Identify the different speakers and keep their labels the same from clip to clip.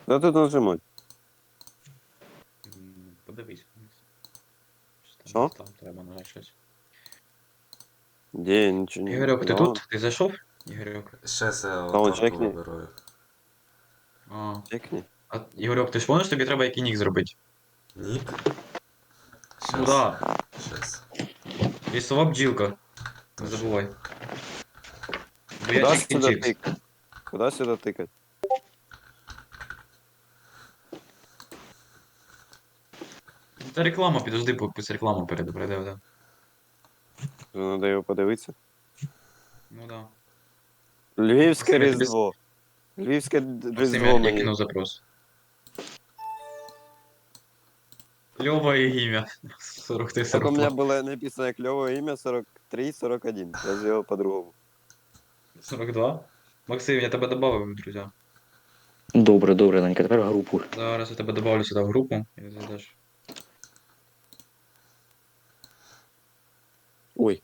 Speaker 1: Да тут нажимать.
Speaker 2: Подивись вниз. Що там
Speaker 1: Що?
Speaker 2: десь там треба нажати щось.
Speaker 1: Де нічого не...
Speaker 2: Ігорьок, ти
Speaker 1: Да,
Speaker 2: тут? Ти зайшов? Ігорьок.
Speaker 3: Щас я
Speaker 1: Та он
Speaker 3: аватарку
Speaker 1: чекни.
Speaker 3: вибираю.
Speaker 2: А,
Speaker 1: Чекни.
Speaker 2: Ігорьок, ти ж помниш, тобі треба який нік зробити?
Speaker 3: Нік?
Speaker 2: Ну
Speaker 3: Щас.
Speaker 2: да,
Speaker 3: Щас.
Speaker 2: лісова бджілка. Не
Speaker 3: Точно.
Speaker 2: забувай. Бо
Speaker 1: Куда
Speaker 2: я
Speaker 1: сюда
Speaker 2: чікінчикс.
Speaker 1: тыкать? Куда сюда тыкать?
Speaker 2: Це реклама, підожди, пусть реклама перейде, да.
Speaker 1: Надо його подивитися.
Speaker 2: Ну да.
Speaker 1: Львівське
Speaker 2: Максим, я тобі...
Speaker 1: Різдво. Львівське
Speaker 2: Максим,
Speaker 1: Різдво
Speaker 2: я
Speaker 1: мені.
Speaker 2: кинув запрос. Льова і ім'я. 43,
Speaker 1: Так у меня
Speaker 2: 42.
Speaker 1: было написано клевое имя 43-41. Я сделал по-другому.
Speaker 2: 42? Максим, я тебе добавив, друзі.
Speaker 4: Добре, добре, Данька, тепер в групу.
Speaker 2: Зараз я тебе добавлю сюди в групу і зайдеш.
Speaker 1: Ой.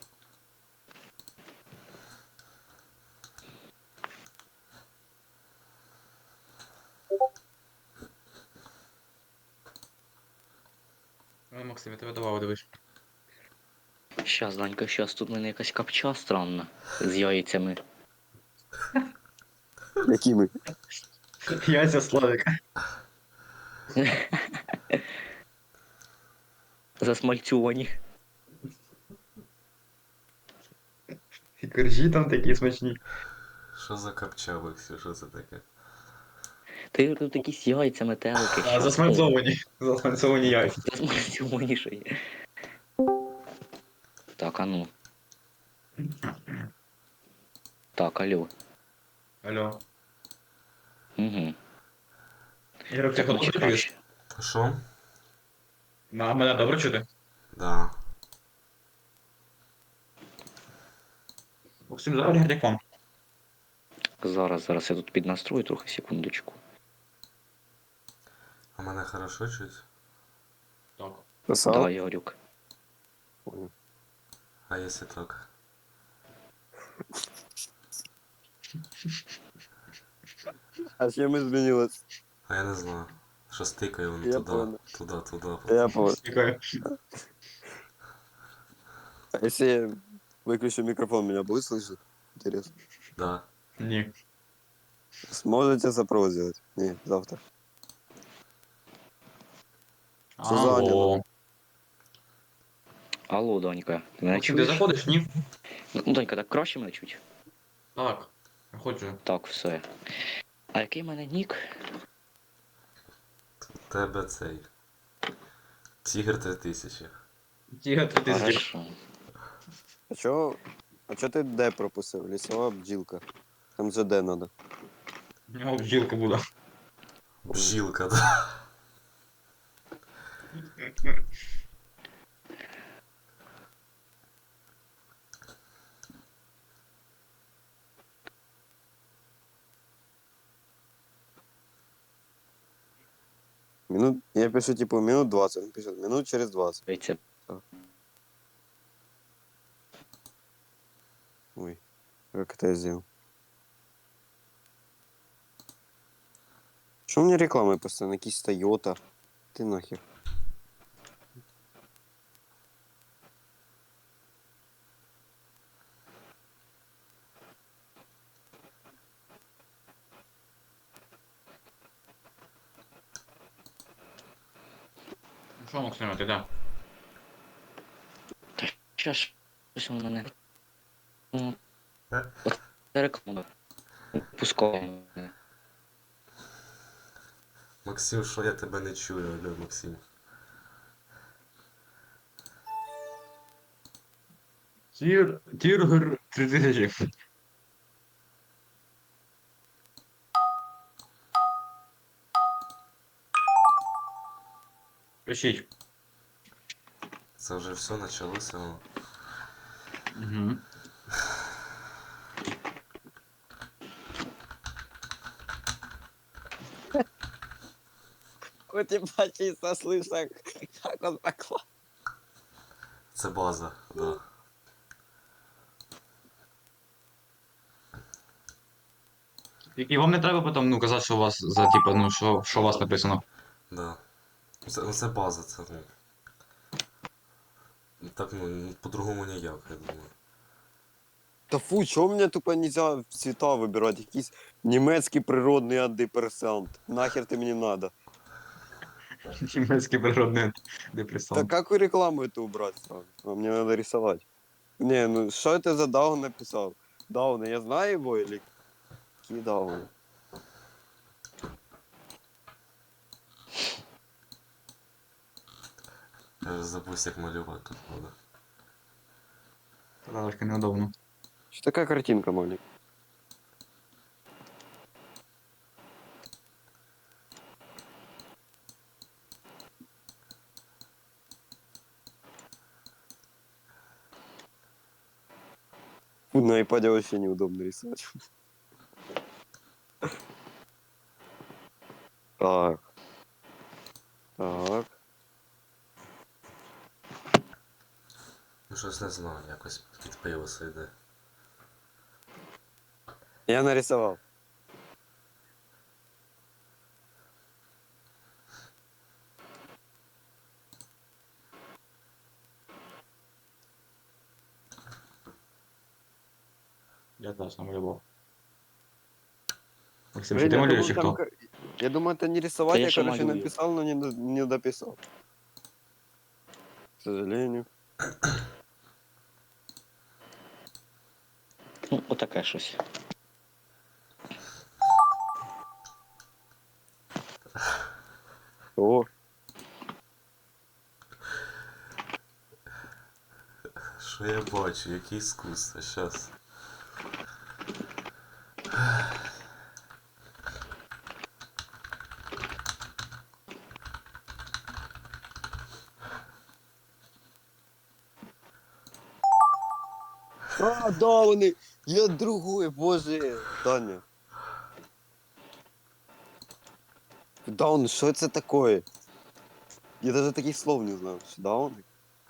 Speaker 2: Ой, Максим, я тебе добавив, дивись.
Speaker 4: Щас, Данька, щас, тут в мене якась капча странна з яйцями.
Speaker 1: Які ми?
Speaker 2: Яйця Славіка.
Speaker 4: Засмальцьовані.
Speaker 2: І коржі там такі смачні.
Speaker 3: Що за капча, Максим? Що це таке?
Speaker 4: Ти тут якісь яйця, метелики.
Speaker 2: А, засмальцовані. Засмальцовані яйця.
Speaker 4: Засмальцьовані ще є. Так, а ну. Так, алло.
Speaker 2: Алло.
Speaker 4: Угу.
Speaker 2: Ігорок, ти
Speaker 4: Так,
Speaker 2: хорошо
Speaker 4: значить,
Speaker 2: чуєш?
Speaker 4: краще.
Speaker 3: То що?
Speaker 2: А мене добре чути?
Speaker 3: Да.
Speaker 2: Максим, зараз як вам?
Speaker 4: Зараз я тут піднастрою трохи, секундочку.
Speaker 3: А мене хорошо чуть?
Speaker 2: Так.
Speaker 1: Писав?
Speaker 4: Да, Ярюк.
Speaker 1: Понял.
Speaker 3: А якщо так?
Speaker 1: А чим змінилось?
Speaker 3: А я не знаю. Що стикає воно
Speaker 1: Я
Speaker 3: туди,
Speaker 1: понял.
Speaker 3: туди.
Speaker 1: Я понял.
Speaker 2: Дякую.
Speaker 1: А если я выключу микрофон, меня будет слышно? Интересно.
Speaker 3: Да.
Speaker 2: Ні.
Speaker 1: Сможете запрос сделать? Не, завтра. Що за
Speaker 2: Алло.
Speaker 4: Алло, Данька, ти мене
Speaker 2: Максим, ти
Speaker 4: чуєш?
Speaker 2: заходиш? Ні?
Speaker 4: Ну, Данька, так краще мене чуть?
Speaker 2: Так. Я хочу.
Speaker 4: Так, все. А який в мене нік?
Speaker 3: У тебе цей. Тігр 3000.
Speaker 2: Тіга 3000.
Speaker 4: Хорошо.
Speaker 1: А чо ти Д пропустив? Лісова бджілка. Там же Д надо.
Speaker 2: У нього бджілка буде.
Speaker 3: Бжилка, да.
Speaker 1: Я пишу, типу, минут 20. Он пишет, минут через 20.
Speaker 4: Яйця.
Speaker 1: Ой, как это я сделал? Что мне рекламы постоянно? Какие-то Тойота. Ты нахер.
Speaker 2: Ну що, Максим, ти де?
Speaker 4: Щас, щось у мене. Ну,
Speaker 3: Е?
Speaker 4: це реклама. Пускай.
Speaker 3: Максим, що я тебе не чую, алло, Максим.
Speaker 2: Тіргер 3000. Пишіть.
Speaker 3: Це вже все почалося.
Speaker 2: Угу.
Speaker 1: Хоть и почти слышно, как он поклал.
Speaker 3: Це база, да.
Speaker 2: І вам не треба потім, ну, казати, що у вас за, типа, ну, що у вас написано.
Speaker 3: Да. Це база, це ну. Так, ну, по-другому ніяк, я думаю.
Speaker 1: Та фу, чого мені тупо нельзя цвета вибирати? Якийсь німецький природний антидепресант. Нахер ти мені надо?
Speaker 2: Німецький природний
Speaker 1: Да
Speaker 2: депресант.
Speaker 1: как рекламу эту убрать сразу? А мне надо рисовать. Не, ну что это за Даун написал? Дауна, я знаю его или какие Дауны?
Speaker 3: Я вже забув, як малювати тут буде.
Speaker 2: Та трошки неудобно.
Speaker 1: Что такая картинка маленькая? Фу, на iPad вообще неудобно рисовать. Так. Так.
Speaker 3: Ну щось не знаю, якось під пиво йде.
Speaker 1: Я нарисовал.
Speaker 2: Я теж намалював. Максим,
Speaker 1: Блин,
Speaker 2: чи ти
Speaker 1: я
Speaker 2: малюєш, чи
Speaker 1: думал,
Speaker 2: хто?
Speaker 1: я думаю, это не рисовать,
Speaker 4: Да я
Speaker 1: я,
Speaker 4: же
Speaker 1: короче,
Speaker 4: малюю.
Speaker 1: написал, но не дописал. К сожалению.
Speaker 4: Ну, отаке щось.
Speaker 1: О,
Speaker 3: Що я бачу, яке іскусство, щас.
Speaker 1: а, Дауны! Я другой, боже! Таня. Даун, что это такое? Я даже таких слов не знаю. Что, Дауны?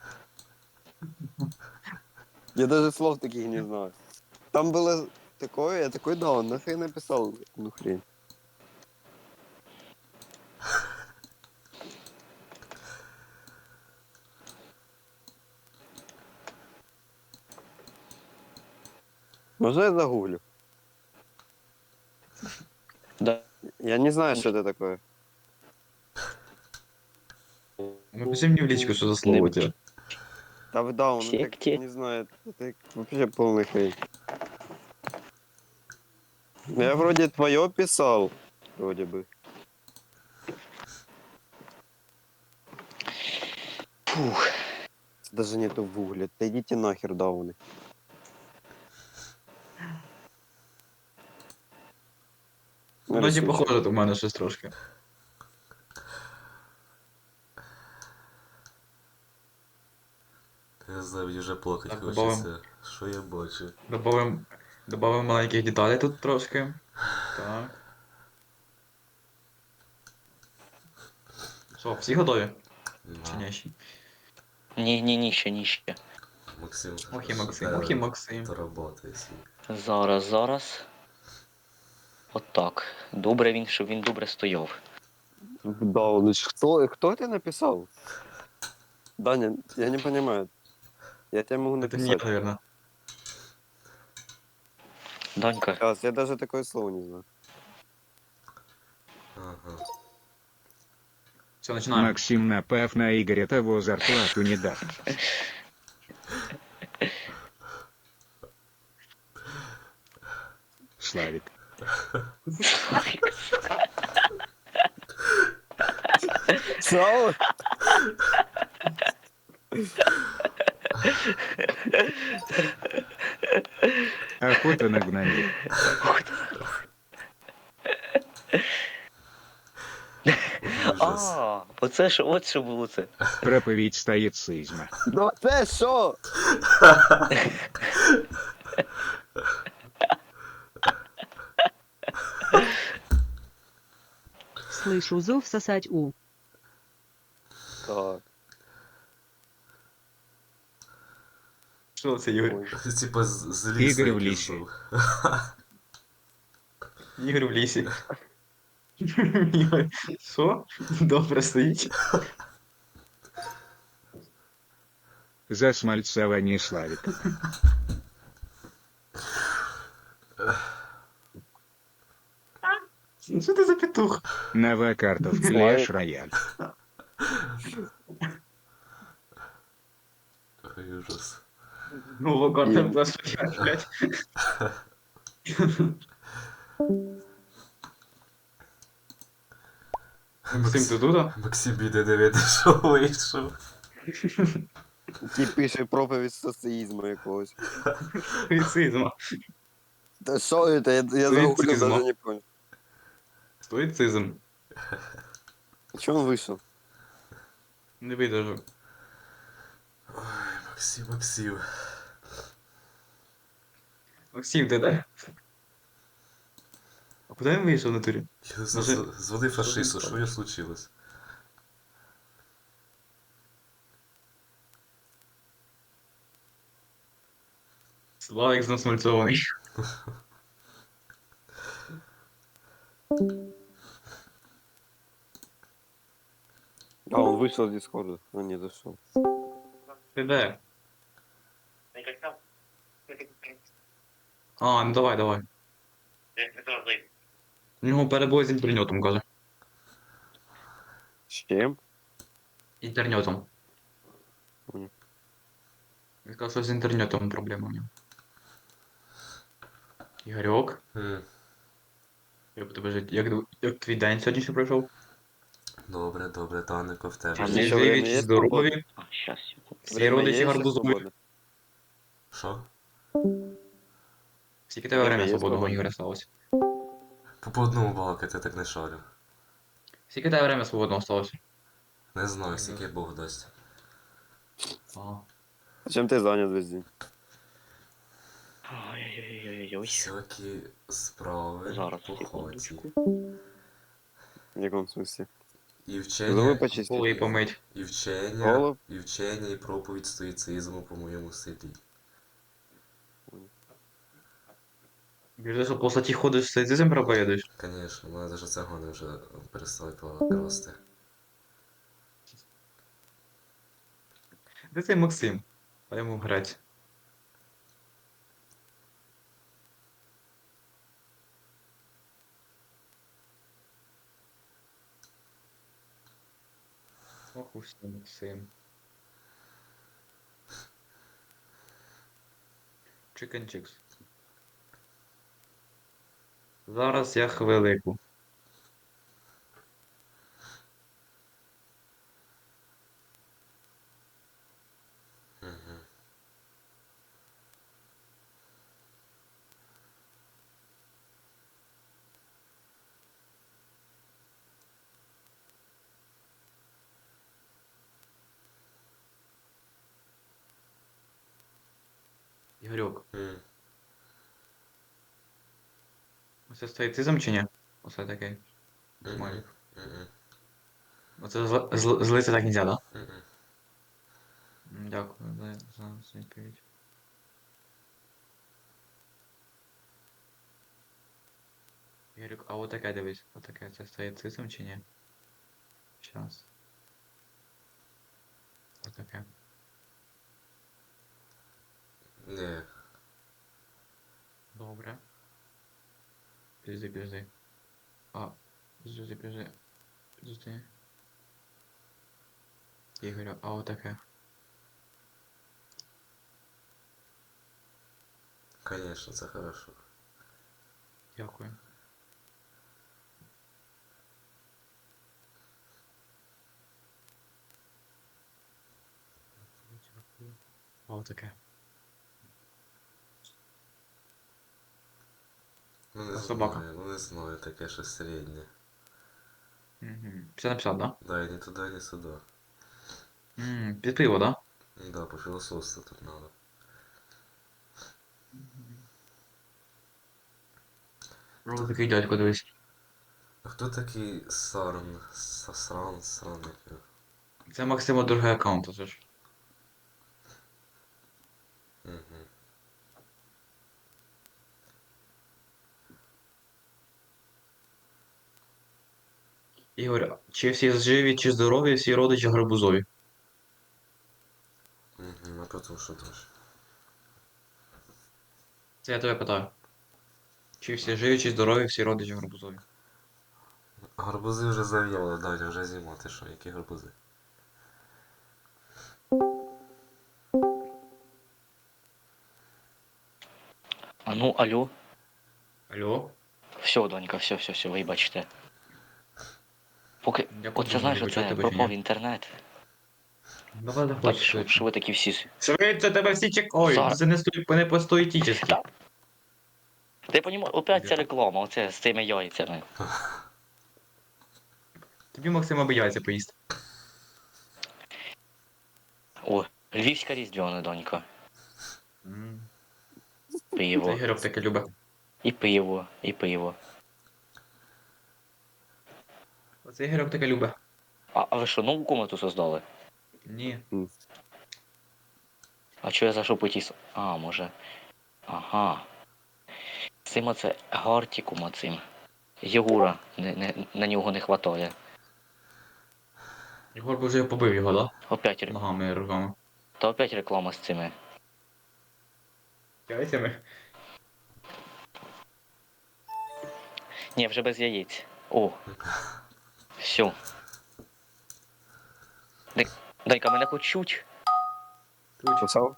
Speaker 1: Я даже слов таких не знаю. Там было такое, я такой даун, нахрен написал, ну хрень. Можно я загуглю?
Speaker 4: Да.
Speaker 1: Я не знаю, что это такое.
Speaker 2: Напиши мені в лічку, що за слово у тебе.
Speaker 1: Да вы даун, ну так,
Speaker 4: Секте.
Speaker 1: не знаю, это вообще полный хрень. Я вроде твое писал, вроде бы.
Speaker 4: Фух.
Speaker 1: Даже нету в гугле. Да идите нахер, дауны.
Speaker 2: Вроді
Speaker 1: Нарисуй.
Speaker 2: похоже у мене щось трошки.
Speaker 3: Я знаю, вже плакать
Speaker 2: Так,
Speaker 3: хочеться. Що я бачу?
Speaker 2: Добавим маленьких деталей тут трошки. Так. Що, всі готові? Чи ні ще?
Speaker 4: Ні, ще.
Speaker 3: Максим,
Speaker 2: Ох і Максим.
Speaker 3: то роботи всі.
Speaker 4: Зараз. Отак. Добре він, щоб він добре стояв.
Speaker 1: Дауны. Кто это написал? Даня, я не понимаю. Я тебе могу
Speaker 2: Це не я,
Speaker 1: написать.
Speaker 2: наверное.
Speaker 4: Данька,
Speaker 1: Сейчас, я даже такое слово не знаю.
Speaker 3: Ага.
Speaker 2: Все, починаємо.
Speaker 5: Максим напав на Игоря, того зарплату не даст. Славик.
Speaker 1: Слава?
Speaker 5: Охота на гномів.
Speaker 3: Ужас.
Speaker 4: оце що, от що було це.
Speaker 5: Проповедь стоицизма.
Speaker 1: Ну це що?
Speaker 6: Слышу зов сосать у.
Speaker 1: Так.
Speaker 2: Що це, Ігор?
Speaker 1: Ой.
Speaker 3: Типа з лісу
Speaker 5: Ігор в
Speaker 3: якийсь
Speaker 5: лісі.
Speaker 3: був.
Speaker 2: Ігор в лісі. Ігор, що? Добре стоїть.
Speaker 5: Засмальцований Славик.
Speaker 2: Що ти за петух?
Speaker 5: Нова карта в
Speaker 1: Славик.
Speaker 5: Clash Royale.
Speaker 3: Ой, ужас.
Speaker 2: Ну, локарта,
Speaker 1: І-
Speaker 2: будь ласка, блядь. Максим, ти тут?
Speaker 3: Максим іде дивитися, що вийшов.
Speaker 1: Ті пише проповідь соціїзму якогось.
Speaker 2: Стоїцизм.
Speaker 1: Та що це? Я загуглив,
Speaker 2: Стоїцизм.
Speaker 1: даже не понял.
Speaker 2: Стоїцизм.
Speaker 1: Чого він вийшов?
Speaker 2: Не видержу.
Speaker 3: Ой, Максим, Максим.
Speaker 2: Максим, ти де? А куди він вийшов в натурі?
Speaker 3: Я
Speaker 2: Може-
Speaker 3: звони фашисту, що їй случилось?
Speaker 2: Славик знасмальцований.
Speaker 1: А, он вышел из Дискорда. Он не зашел.
Speaker 2: Ти де? А, ну давай, давай. У нього перебої з інтернетом, каже.
Speaker 1: С чем?
Speaker 2: Інтернетом.
Speaker 1: Понял.
Speaker 2: Він каже, що з інтернетом проблема у нього. Ігорьок, як у тебе жить? Як твій день сьогоднішній пройшов?
Speaker 3: Добре, добре, Танико, в тебе.
Speaker 1: А
Speaker 2: Всі
Speaker 1: ще
Speaker 2: живі,
Speaker 1: время
Speaker 2: чи
Speaker 1: є
Speaker 2: здорові,
Speaker 4: А, щас, секунду.
Speaker 2: всі родичі
Speaker 1: есть
Speaker 2: гарбузові.
Speaker 1: свободно?
Speaker 3: Що?
Speaker 2: Скільки тебе
Speaker 1: Время
Speaker 2: время
Speaker 1: є
Speaker 2: свободного,
Speaker 1: свободне?
Speaker 2: Ігоря, сталося?
Speaker 3: По одному балакати я так не шарю.
Speaker 2: Скільки тебе время свободного сталося?
Speaker 3: Не знаю, скільки Бог дасть.
Speaker 2: Ага.
Speaker 1: А чем ты занят весь день?
Speaker 4: Ой-ой-ой-ой-ой.
Speaker 3: Всякі справи
Speaker 4: Зараз,
Speaker 3: по хаті.
Speaker 4: секундочку.
Speaker 1: В каком смысле?
Speaker 3: І
Speaker 1: Зубы
Speaker 3: вчення,
Speaker 1: почистить?
Speaker 2: Коли помить.
Speaker 3: і вчення,
Speaker 1: Голуб?
Speaker 3: і вчення, і проповідь стоїцизму по моєму селі.
Speaker 2: Біжиш, що по статті ходиш, стоїцизм проповідуєш?
Speaker 3: Конечно, мене даже цигани вже перестали красти.
Speaker 2: Де цей Максим? А йому грать. Ох уж ти, Максим. Chicken Chicks. Зараз я хвилику.
Speaker 3: Угу.
Speaker 2: Ігорьок,
Speaker 3: М.
Speaker 2: оце стоїцизм чи ні? Оце такий. Смайлик.
Speaker 3: Мгм.
Speaker 2: Оце злиться так нельзя, да?
Speaker 3: Мгм.
Speaker 2: Дякую за відповідь. Ігорюк, а отаке дивись, отаке, це стоїцизм чи ні? Щас. Отаке.
Speaker 3: Ні.
Speaker 2: Добре. Підожди. А, підожди. Ігорю, а отаке.
Speaker 3: Конечно, це хорошо.
Speaker 2: Дякую. А отаке.
Speaker 3: Ну не
Speaker 2: А собака?
Speaker 3: знаю, ну не знаю, таке щось середнє.
Speaker 2: Угу. 50/50, да?
Speaker 3: Да, і ні туди, ні сюди.
Speaker 2: Під пиво, да?
Speaker 3: Да, пофілософству тут надо.
Speaker 2: Ось такий дядько, дивись.
Speaker 3: А хто такий Сран, як його?
Speaker 2: Це Максима другий аккаунт, це ж.
Speaker 3: Угу.
Speaker 2: Ігор, чи всі живі, чи здорові, всі родичі гарбузові?
Speaker 3: Угу, а потім що теж.
Speaker 2: Це я тебе питаю. Чи всі живі, чи здорові, всі родичі гарбузові?
Speaker 3: Гарбузи вже зав'яли, Даня, вже зима, ти що, які гарбузи?
Speaker 4: А ну, алло.
Speaker 2: Алло?
Speaker 4: Все, донька, все, вибачте. Поки.
Speaker 2: Я
Speaker 4: Оце знаєш,
Speaker 2: почути
Speaker 4: оце
Speaker 2: тебе чи
Speaker 4: пропав
Speaker 2: ні?
Speaker 4: інтернет.
Speaker 2: Давай,
Speaker 4: Так,
Speaker 2: давай,
Speaker 4: що ви такі всі.
Speaker 2: Швидше, тебе всі чекають,
Speaker 4: Зараз.
Speaker 2: це не по-стоїтічески.
Speaker 4: Ти понімаєш, опять ця реклама, оце з цими яйцями.
Speaker 2: Тобі Максим аби яйця поїсти.
Speaker 4: О, львівська різдвяна, донька.
Speaker 2: М.
Speaker 4: Пиво.
Speaker 2: Це Ігорьок таке любить.
Speaker 4: І пиво, і пиво.
Speaker 2: Оце Ігорьок таке любить.
Speaker 4: А ви що, нову комнату создали?
Speaker 2: Ні.
Speaker 4: А чого я зайшов по тій... А, може. Ага. Цим оце Гартікума цим. Єгура, на нього не хватає.
Speaker 2: Ігор би вже побив його, да?
Speaker 4: Опять,
Speaker 2: Ногами і руками.
Speaker 4: та опять реклама з цими.
Speaker 2: Яйцями?
Speaker 4: Ні, вже без яєць. О. Все. Дай-ка мене хоч чуть.
Speaker 1: Писав?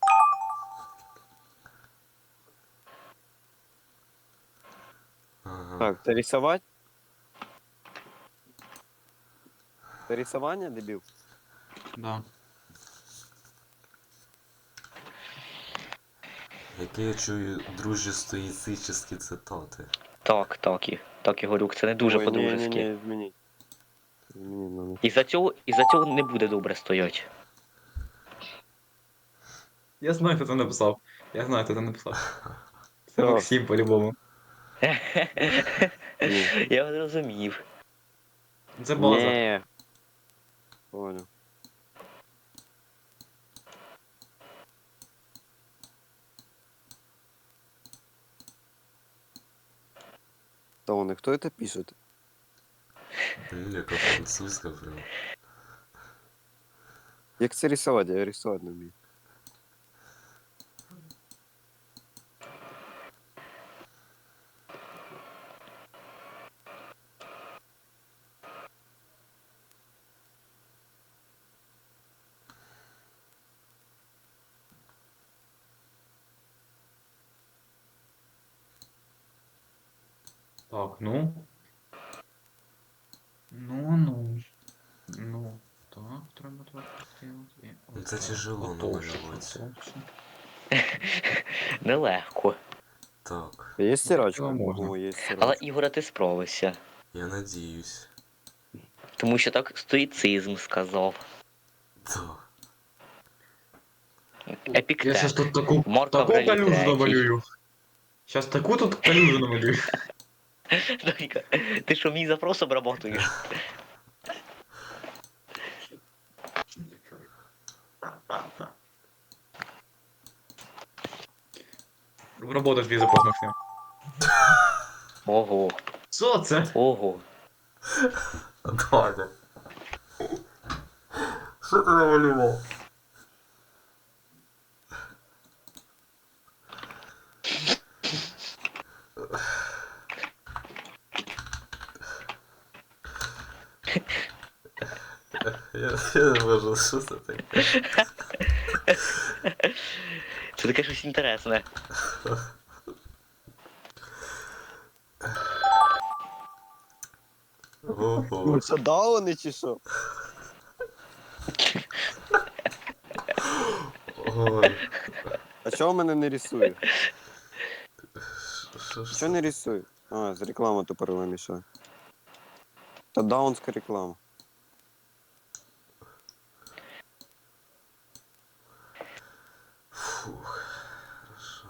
Speaker 3: Ага.
Speaker 1: Так, це рисовать? Це рисування, дебіл?
Speaker 2: Да.
Speaker 3: Які я чую дружі стоїцичні цитати.
Speaker 4: Так, Ігорюк, це не дуже
Speaker 1: Ой,
Speaker 4: по-дружески.
Speaker 1: Ні, змініть. Змініть надо.
Speaker 4: І за цього не буде добре стоять.
Speaker 2: Я знаю, хто це написав. Я знаю, хто це написав. Це
Speaker 1: Так.
Speaker 2: Максим по-любому.
Speaker 1: Ні.
Speaker 4: Я зрозумів.
Speaker 2: Це база.
Speaker 1: Ні. Понял. Та вони, хто це пише?
Speaker 3: Ну, яка французька прям.
Speaker 1: Як це рисувати? Я рисувати не вмію.
Speaker 2: Так, ну. Ну. Ну. Так, треба так зробити.
Speaker 3: Ну, це тяжело намалювати.
Speaker 4: Нелегко.
Speaker 3: Так,
Speaker 1: Є стирачка?
Speaker 2: Можна.
Speaker 1: О, є
Speaker 4: Але
Speaker 1: стирачка.
Speaker 4: Ігоре, ти справився.
Speaker 3: я надіюсь.
Speaker 4: Тому що так стоїцизм сказав.
Speaker 3: Так.
Speaker 2: Я щас
Speaker 4: Епіктет.
Speaker 2: тут таку
Speaker 4: Марк
Speaker 2: калюжу
Speaker 4: Аврелій третій.
Speaker 2: намалюю. Щас таку тут калюжу намалюю.
Speaker 4: Донька, ти що, мій запрос обработуєш?
Speaker 2: Робота твій запрос, Максим.
Speaker 4: Ого,
Speaker 2: Що це?
Speaker 4: ого.
Speaker 3: Даня. Що ти намалював? Я не можу, що це таке?
Speaker 4: Це таке щось інтересне.
Speaker 3: Ого.
Speaker 1: Ну, це дауни чи що?
Speaker 3: Ой.
Speaker 1: А чого мене не рисує?
Speaker 3: Що ж
Speaker 1: Що не рисує? А, з реклама тупорила мішає. Та даунська реклама.
Speaker 3: Фух. Хорошо.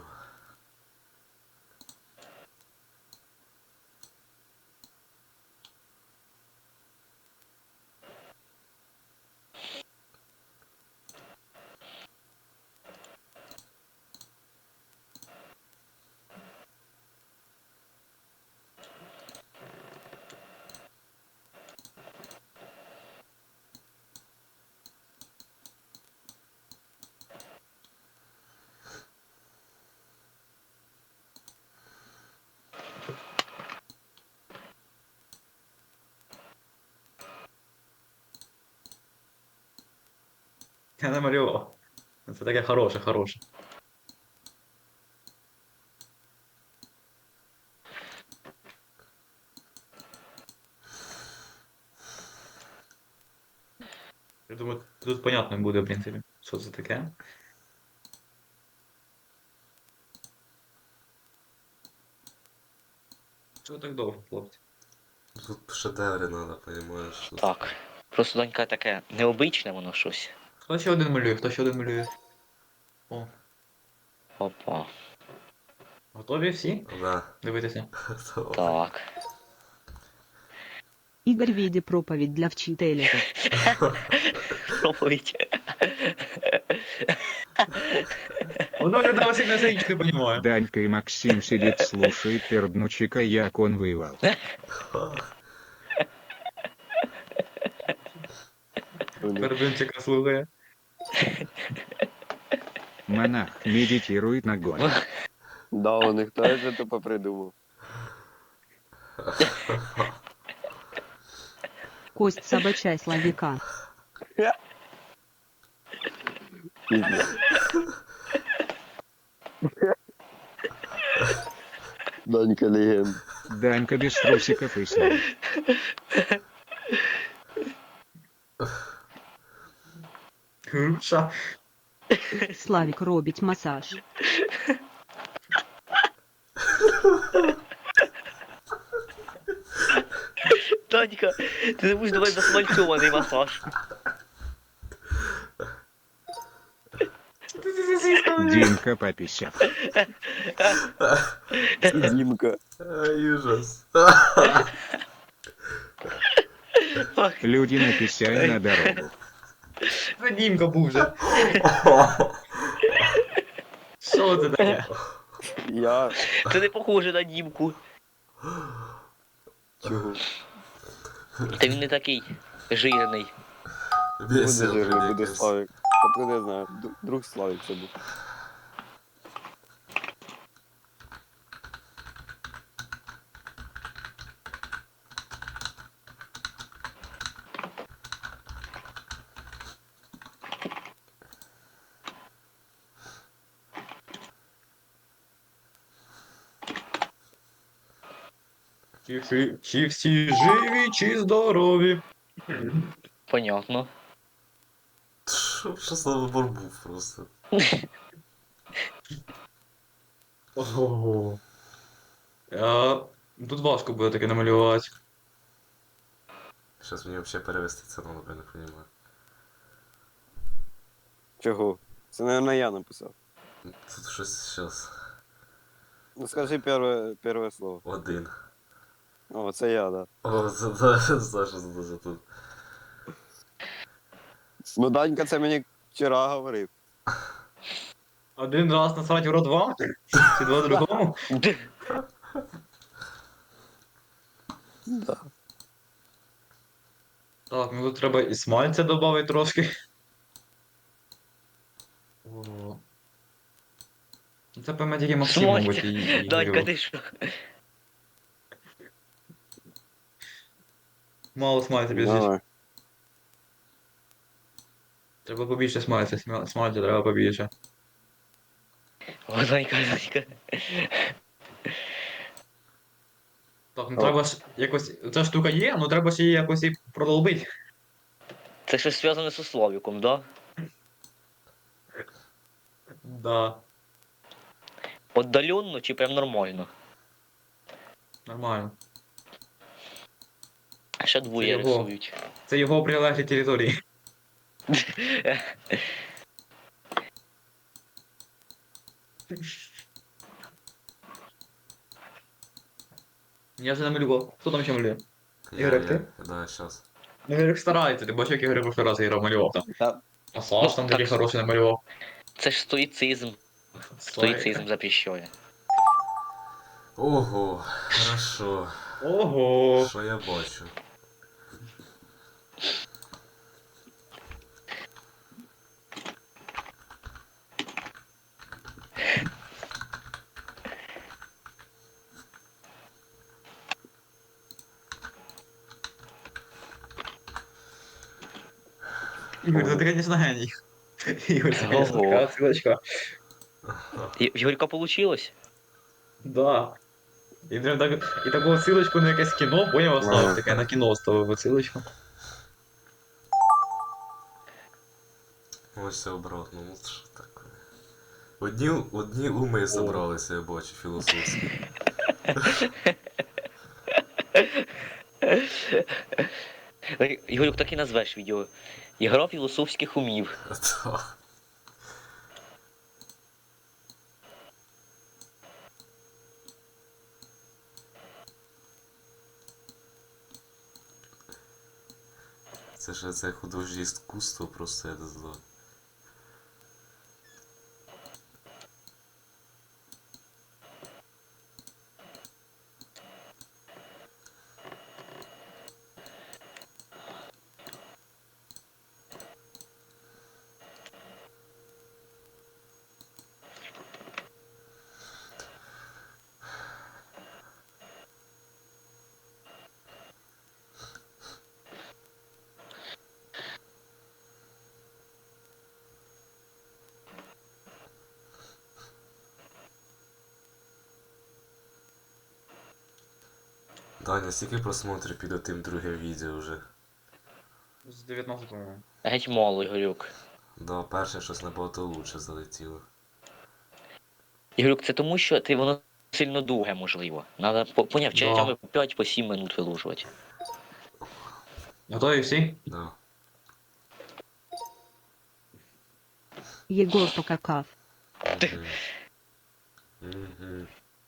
Speaker 2: Я намалював. Це таке хороше, хороше. Я думаю, тут понятно буде, в принципі, що це таке. Чого так довго, хлопці?
Speaker 3: Тут шедеври надо, понимаешь? Тут...
Speaker 4: Так. Просто донька таке необичне воно щось.
Speaker 2: Хто ще один малює? Хто ще один малює? О,
Speaker 4: Опа.
Speaker 2: готові всі?
Speaker 3: Да.
Speaker 2: Дивитися.
Speaker 4: Так.
Speaker 6: Ігор віде проповідь для вчителя.
Speaker 4: Проповідь.
Speaker 2: Воно людина сильно сидить, не розуміє.
Speaker 5: Данька и Максим сидит слушает перднучика, як он воевал.
Speaker 2: Пердунчика слухає.
Speaker 5: Монах медитирует на гоне.
Speaker 1: Да, у них хто це тупо придумав.
Speaker 6: Кость собачай Славіка.
Speaker 1: Пізно. Данька легенда.
Speaker 5: Данька без трусиков и сна.
Speaker 2: Груша.
Speaker 6: Славік робить масаж.
Speaker 4: Данька, ти не будеш давати засмальцьований масаж.
Speaker 5: Димка пописав.
Speaker 1: Дімка.
Speaker 3: Ай, ужас.
Speaker 5: Люди написали на дорогу.
Speaker 2: Це Дімка був вже. Що це таке?
Speaker 1: Я.
Speaker 4: Це не похоже на Дімку.
Speaker 1: Чого?
Speaker 4: Та він не такий жирний.
Speaker 1: Буде
Speaker 3: Весело,
Speaker 1: жирний, буде
Speaker 3: якось.
Speaker 1: Славік. Откуда я знаю? Друг Славік це був.
Speaker 2: Чи всі живі, чи здорові?
Speaker 4: Понятно.
Speaker 3: Що за вибор був просто?
Speaker 2: Ого. Тут важко буде таке намалювати.
Speaker 3: Сейчас мені взагалі перевести це надо, я не понимаю.
Speaker 1: Чого? Це, мабуть, я написав.
Speaker 3: Тут щось зараз.
Speaker 1: Ну скажи перше слово.
Speaker 3: Один.
Speaker 1: О, це я, да.
Speaker 3: О, це Саша задає тут.
Speaker 1: Ну Данька це мені вчора говорив.
Speaker 2: Один раз насрать в рот вам? Чи два другому?
Speaker 1: Да.
Speaker 2: Так, ну тут треба і смальця додати трошки. О. Ну, це певно тільки Максим,
Speaker 4: Смальця?
Speaker 2: мабуть, і
Speaker 4: Данька,
Speaker 2: Ігорю.
Speaker 4: ти що?
Speaker 2: Мало смальця більше.
Speaker 1: Давай.
Speaker 2: Треба побільше смальця, смальця треба побільше.
Speaker 4: О, Данька.
Speaker 2: Так, ну треба ж якось. Ця штука є, ну треба ж її якось і продолбити.
Speaker 4: Це щось зв'язане з Славіком, да?
Speaker 2: Да,
Speaker 4: Отдаленно чи прям нормально?
Speaker 2: нормально.
Speaker 4: Ще двоє
Speaker 2: Це його.
Speaker 4: рисують.
Speaker 2: Це його прилеглі території. Я вже намалював. Хто там ще малює? Ігорек, ти?
Speaker 3: Да, сейчас.
Speaker 2: Ну, Ігорек старається, ти бачиш, як Ігорек прошлий раз Ігор малював там.
Speaker 1: Та,
Speaker 2: А Саш там
Speaker 4: Ну,
Speaker 2: такий
Speaker 4: так.
Speaker 2: хороший намалював.
Speaker 4: Це ж стоїцизм. Стоїцизм запрещує.
Speaker 3: Ого, хорошо.
Speaker 2: Ого!
Speaker 3: Що я бачу?
Speaker 2: Ігор, ти, звісно, геній. Ігор, це, конечно,
Speaker 4: Ого.
Speaker 2: така ссылочка.
Speaker 4: В Ігорька получилось?
Speaker 2: Да. І прям так, і таку ссылочку на якесь кіно, поняв,
Speaker 1: Ага.
Speaker 2: оставив, таке на кіно оставив ссылочку.
Speaker 3: Ось все обратно, ну що таке. Одні уми зібралися, я бачу, філософські.
Speaker 4: Ігорюк, так і назвеш відео. Ігра філософських умів.
Speaker 3: Так. Це ж це художнє іскусство, просто я не знаю. Даня, скільки просмотрів під тим друге відео вже?
Speaker 2: З 19, по-моєму.
Speaker 4: Геть мало, Ігорюк.
Speaker 3: Да, перше щось набагато лучше залетіло.
Speaker 4: Ігорюк, це тому, що ти воно сильно довге, можливо. Надо, поняв, часами по 5 по 7 минут вилужувати.
Speaker 2: Готові всі?
Speaker 3: Да.
Speaker 6: Егор покакав.
Speaker 3: Мгм. Мгм.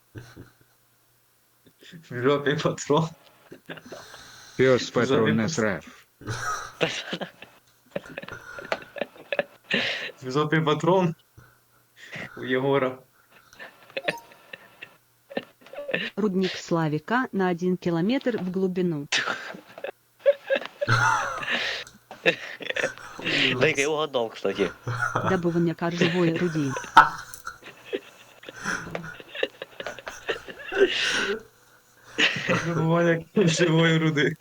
Speaker 2: В жопі патрон.
Speaker 5: Пес патрон насрав.
Speaker 2: В жопі патрон. У Єгора.
Speaker 6: Рудник Славика на 1 километр в глубину.
Speaker 4: Дай-ка я угадав, кстати.
Speaker 6: Добывание коржевой руди.
Speaker 2: Вибування живої руди.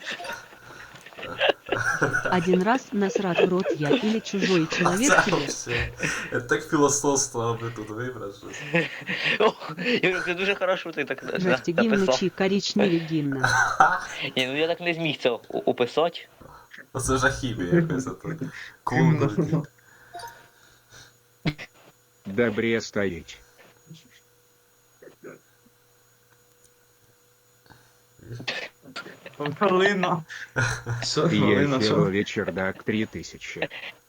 Speaker 6: Один раз насрать в рот я или чужой человек
Speaker 3: Це
Speaker 6: тебе.
Speaker 3: вообще. Я так філософство, аби тут вибрати щось.
Speaker 4: О, Ігорюк, це дуже хорошо ти так
Speaker 6: Жести гимн
Speaker 4: написав.
Speaker 6: чи коричневый гимн.
Speaker 4: Ні, ну я так не зміг це описати.
Speaker 3: Оце жахів'я якось ото. Кулгу.
Speaker 5: Добре стоїть.
Speaker 2: Галина. Що, Галина,
Speaker 5: Єфілові
Speaker 2: що?
Speaker 5: чердак 3000.